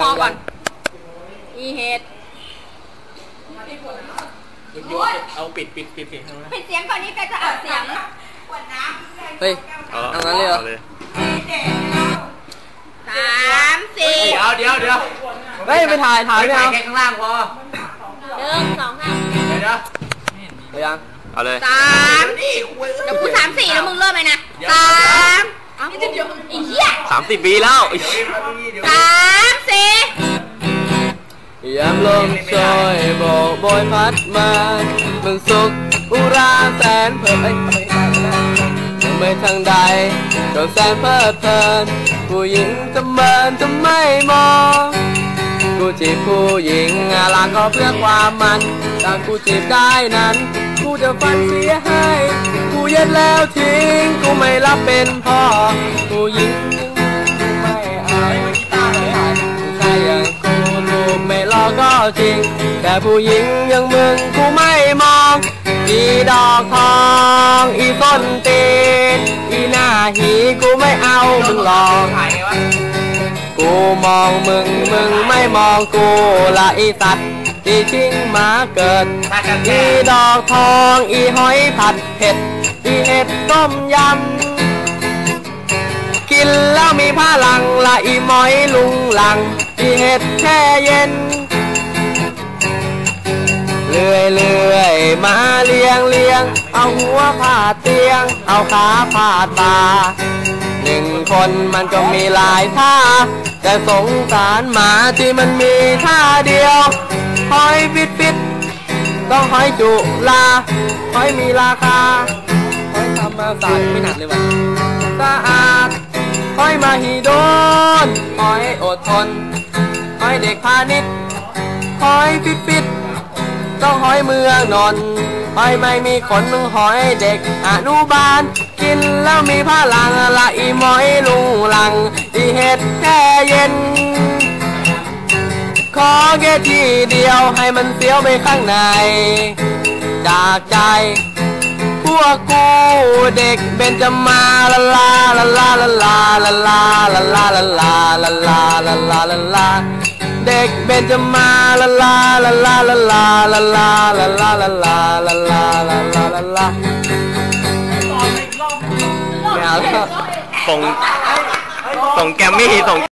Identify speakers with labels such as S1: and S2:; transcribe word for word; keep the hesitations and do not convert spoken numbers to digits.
S1: องก่อนอีเห็ด
S2: เอาปิดปิดปิดปิด
S1: ปิดเสียงก่อนนี้แกจะอัดเสียง
S3: เฮ้ยเอางั้นเลยเหรอ
S1: สามสี่
S2: เดี๋ยวเดี๋ยวเดี๋ยว
S3: เฮ้ยไปถ่ายถ่ายไม่เอา
S2: แค่ข้างล่างพอ
S1: หนึ่งสองห้า
S2: เดี๋ยวเดี๋ยว
S3: ไปยัง
S2: เอาเลย
S1: สามเดี๋ยวกูสามสี่แล้วมึงเริ่มเลยนะสามอีเหี้ย
S2: สามสิบปีแล้ว
S1: สามสี่
S3: ยามลมโชยโบกโบยพัดมาเมืองสุขอุราแสนเพลินยังไม่ทางใดก็แสนเพลิดเพลินผู้หญิงจะเมินจะไม่มองกูจีบผู้หญิงลาก็เพื่อความมันแต่กูจีบได้นั้นกูจะฟันเสียให้กูเย็นแล้วทิ้งกูไม่รับเป็นพ่อผู้หญิงไม่เอาผู้ชายอย่างกูรูปไม่หล่อก็จริงแต่ผู้หญิงอย่างมึงกูไม่มองอีดอกทองอีต้นตีนอีหน้าหีกูไม่เอามึงหลอกกูมองมึงมึงไม่มองกูละอีสัตว์อีชิงหมาเกิดอีดอกทองอีหอยผัดเผ็ดอีเห็ดต้มยำกินแล้วมีพลังละอีหมอยลุงหลังอีเห็ดแช่เย็นเลื่อยเลื่อยมาเลี้ยงเลี้ยงเอาหัวผาดเตียงเอาขาผาดตาหนึ่งคนมันก็มีหลายท่าแต่สงสารหมาที่มันมีท่าเดียวหอยปิดปิดต้องหอยจุลาหอยมีราคาหอยธรรมศาสตร์ไม่หนักเลยวะสะอาดหอยมาฮีโดนหอยอดทนหอยเด็กพาณิชย์หอยปิดปิดต้องหอยเมืองนนท์หอยไม่มีขนหอยเด็กอนุบาลกินแล้วมีพลังละอีหมอยลุงหลังอีเห็ดแช่เย็นขอแค่ทีเดียวให้มันเสียวไปข้างในจากใจพวกกูเด็กเบญจมาลาลาลาลาลาลาลาลาลาลาลาลาลาลาลาลาลาลาเด็กเบญจมาลาลาลาลาลาลาลาลาลาลาลาลาลาลาลาลาลาลาไม่เอาแล้วส่งส่งแกมมี่ส่ง